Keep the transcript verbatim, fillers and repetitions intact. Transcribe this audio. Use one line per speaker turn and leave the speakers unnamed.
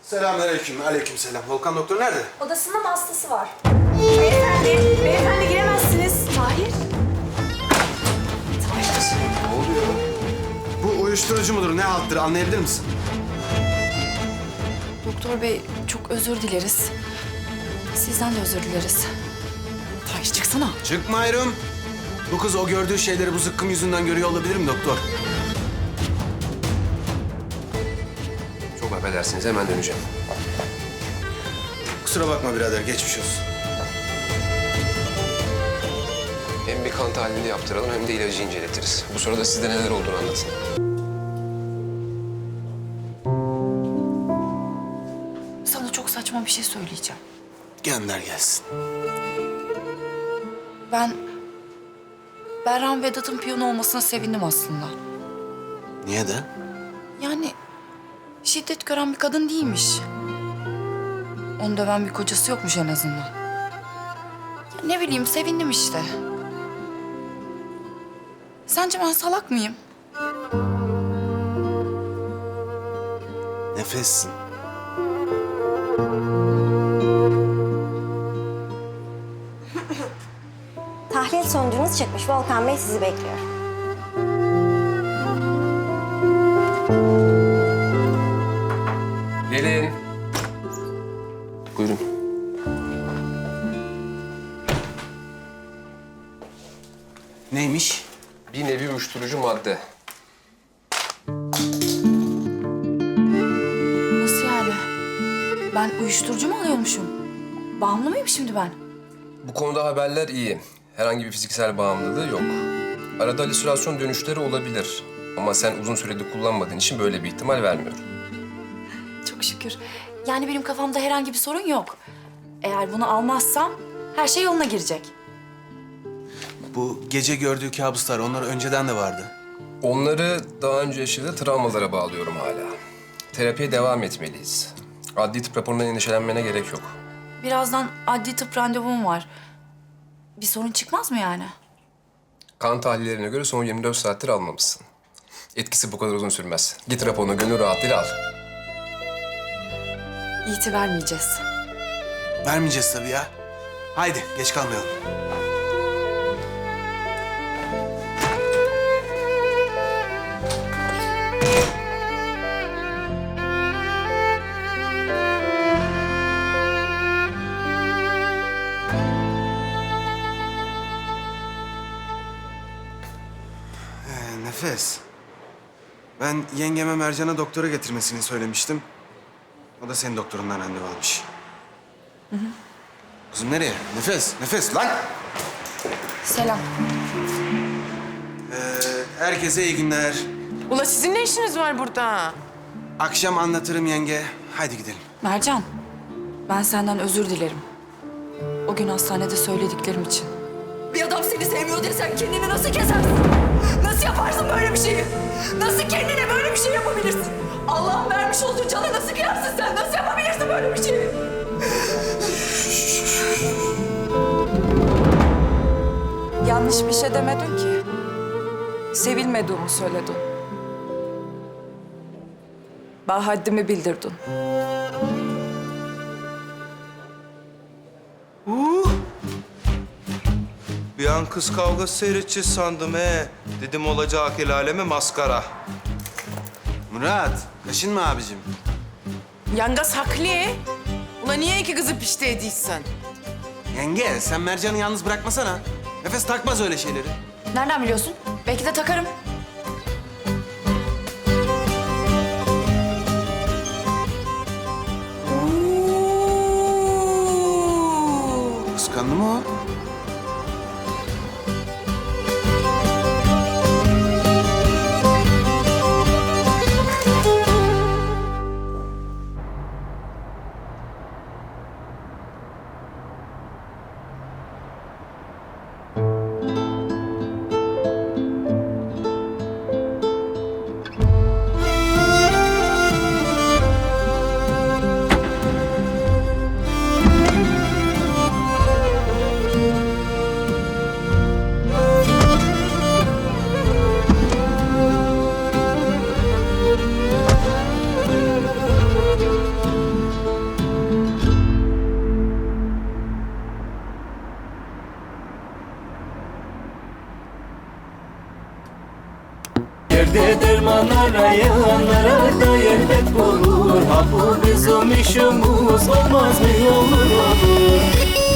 Selamünaleyküm, aleykümselam. Volkan doktor nerede?
Odasında mı hastası var? Beyefendi, beyefendi giremezsiniz. Tahir. Tahir.
Ne oluyor? Bu uyuşturucu mudur, ne halttır anlayabilir misin?
Doktor bey çok özür dileriz. Sizden de özür dileriz. Tahir çıksana.
Çıkmıyorum. Bu kız o gördüğü şeyleri bu zıkkım yüzünden görüyor olabilir mi doktor?
Çok affedersiniz, hemen döneceğim.
Kusura bakma birader, geçmiş olsun.
Hem bir kan tahlili yaptıralım hem de ilacı inceletiriz. Bu sırada sizde neler olduğunu anlatın.
Sana çok saçma bir şey söyleyeceğim.
Gönder gelsin.
Ben... Berran Vedat'ın piyano olmasına sevindim aslında.
Niye de?
Yani şiddet gören bir kadın değilmiş. Onu döven bir kocası yokmuş en azından. Ya ne bileyim sevindim işte. Sence ben salak mıyım?
Nefessin.
Tahlil sonucunuz çıkmış. Volkan Bey sizi bekliyor.
Gelin. Buyurun.
Neymiş?
Bir nevi uyuşturucu madde.
Nasıl yani? Ben uyuşturucu mu alıyormuşum? Bağımlı mıyım şimdi ben?
Bu konuda haberler iyi. Herhangi bir fiziksel bağımlılığı yok. Arada halüsinasyon dönüşleri olabilir. Ama sen uzun süredir kullanmadığın için böyle bir ihtimal vermiyorum.
Çok şükür. Yani benim kafamda herhangi bir sorun yok. Eğer bunu almazsam her şey yoluna girecek.
Bu gece gördüğü kabuslar, onlar önceden de vardı.
Onları daha önce yaşadığı travmalara bağlıyorum hala. Terapiye devam etmeliyiz. Adli tıp raporundan endişelenmene gerek yok.
Birazdan adli tıp randevum var. Bir sorun çıkmaz mı yani?
Kan tahlillerine göre son yirmi dört saattir almamışsın. Etkisi bu kadar uzun sürmez. Git raporunu gönül rahatlığıyla al.
İyiti vermeyeceğiz.
Vermeyeceğiz tabii ya. Haydi, geç kalmayalım. Ee, Nefes. Ben yengeme Mercan'a doktora getirmesini söylemiştim. O da senin doktorundan randevu almış. Hı hı. Kızım nereye? Nefes, nefes lan!
Selam.
Ee, herkese iyi günler.
Ula sizin ne işiniz var burada?
Akşam anlatırım yenge. Haydi gidelim.
Mercan, ben senden özür dilerim. O gün hastanede söylediklerim için.
Bir adam seni sevmiyor diye sen kendini nasıl kesersin? Nasıl yaparsın böyle bir şeyi? Nasıl kendine böyle bir şey yapabilirsin? Allah'ın vermiş olduğu canı nasıl kıyarsın sen? Nasıl yapabilirsin böyle bir şeyi?
Yanlış bir şey demedin ki. Sevilmediğimi söyledin. Bana haddimi bildirdin.
Uh! Bir an kız kavgası seyredeceğiz sandım he. Dedim olacak el aleme maskara.
Murat, kaşınma abicim.
Yangas haklı. Ula niye iki kızı pişti ediysen?
Yenge, sen Mercan'ı yalnız bırakmasana. Nefes takmaz öyle şeyleri.
Nereden biliyorsun? Belki de takarım.
Kıskandı mı o?
Derde derman arayanlara da elbet bulur. Ha bu bizim işimiz olmaz mı olur olur.